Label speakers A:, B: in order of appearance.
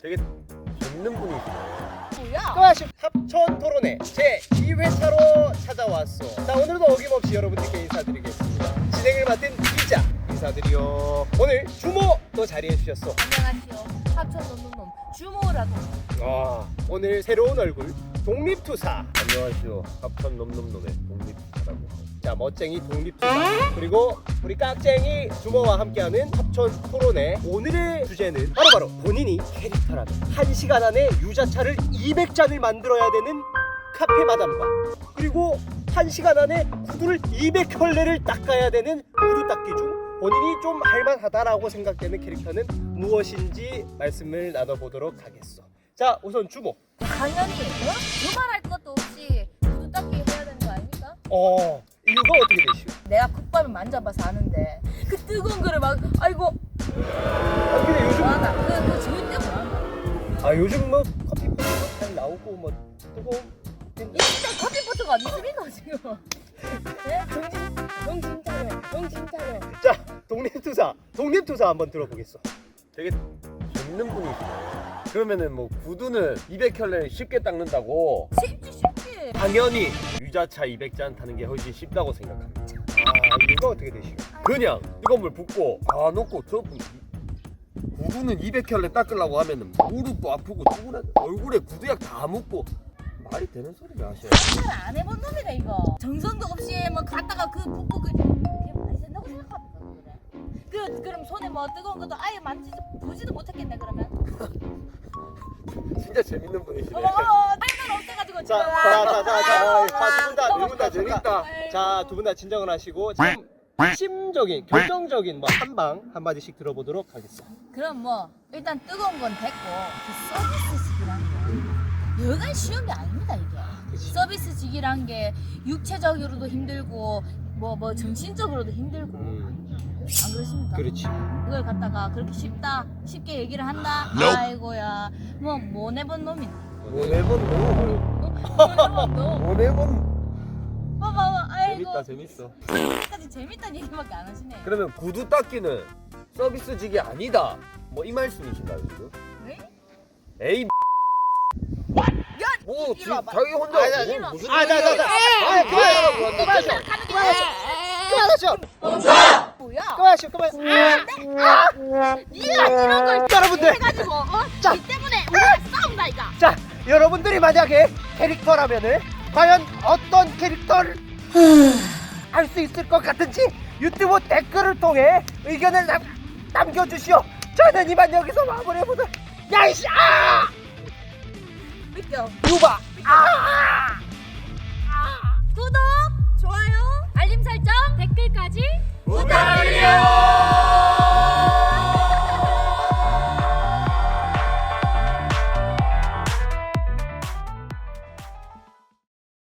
A: 되게 재밌는 분이시네.
B: 뭐야?
C: 또다시 합천 토론회 제 2회차로 찾아왔어. 자, 오늘도 어김없이 여러분들께 인사드리겠습니다. 진행을 맡은 기자 인사드려. 오늘 주모도 자리해 주셨어.
B: 안녕하세요. 합천 놈놈놈 주모라고.
C: 오늘 새로운 얼굴 독립투사.
A: 안녕하세요. 합천 놈놈놈의 독립투사라고.
C: 자, 멋쟁이 독립투사 그리고 우리 깍쟁이 주모와 함께하는 합천 토론회. 오늘의 주제는 바로 본인이 캐릭터라면 1시간 안에 유자차를 200잔을 만들어야 되는 카페 마담과 그리고 1시간 안에 구두를 200켤레를 닦아야 되는 구두 닦기 중 본인이 좀 할만하다라고 생각되는 캐릭터는 무엇인지 말씀을 나눠보도록 하겠어. 자, 우선 주모.
B: 당연히 두말할 것도 없이 구두 닦기 해야 되는 거 아닙니까?
C: 이유가 어떻게 되시오?
B: 내가 국밥을 만져봐서 아는데 그 뜨거운 거를 막 아이고
C: 근데 요즘
B: 뭐하나 그 주위 때문에 뭐하나
C: 요즘 뭐 커피포트 잘 나오고 뭐 뜨거운
B: 이 진짜 커피포트가 어디 있습니까 지금? 네? 정신 차려.
C: 자, 독립투사 한번 들어보겠어.
A: 되게 재밌는 분이시네. 그러면은 뭐 구두는 200켤레 쉽게 닦는다고?
B: 쉽지.
A: 당연히 유자차 200잔 타는 게 훨씬 쉽다고 생각합니다.
C: 이유가 어떻게 되시오?
A: 그냥 뜨거운 물 붓고 다 넣고 저분 구두는 200켤레 닦으려고 하면은 무릎도 아프고 얼굴에 구두약 다 묻고 말이 되는 소리를 하셔요.
B: 생각을 안 해본 놈이다 이거. 정성도 없이 뭐 갔다가 그 붓고 그게 많이 된다고 생각합니까 그래? 그럼 손에 뭐 뜨거운 것도 아예 보지도 못했겠네 그러면.
A: 진짜 재밌는 분이시네.
B: 할말 없어가지고 지금.
C: 두 분 다 재밌다. 자, 두 분 다 진정을 하시고 지금 핵심적인 결정적인 뭐 한마디씩 들어보도록 하겠습니다.
B: 그럼 뭐 일단 뜨거운 건 됐고 그 서비스직이란 게 여간 쉬운 게 아닙니다 이게. 서비스직이란 게 육체적으로도 힘들고 뭐 정신적으로도 힘들고 안 그러십니까?
C: 그렇지.
B: 그걸 갖다가 그렇게 쉽게 얘기를 한다. 아이고야 뭐 못 해본 놈이네.
A: 못 해본
B: 봐봐 아이고
A: 재밌어.
B: 까지 재밌다는 얘기밖에 안 하시네.
A: 그러면 구두 닦기는 서비스직이 아니다 뭐 이 말씀이신가요 지금?
B: 왜?
A: 에이
B: 야
A: 뭐
B: 이리 와봐.
A: 자기 혼자
B: 아니,
A: 뭐 무슨
C: 그만하시오.
B: 뭐야?
C: 네가
B: 이런 걸
C: 여러분들,
B: 해가지고
C: 자.
B: 이 때문에 우리가 싸운다 이가.
C: 자, 여러분들이 만약에 캐릭터라면은 과연 어떤 캐릭터를 할 수 있을 것 같은지 유튜브 댓글을 통해 의견을 남겨주시오. 저는 이만 여기서 마무리해보도록. 야이씨!
B: 믿겨.
C: 유바!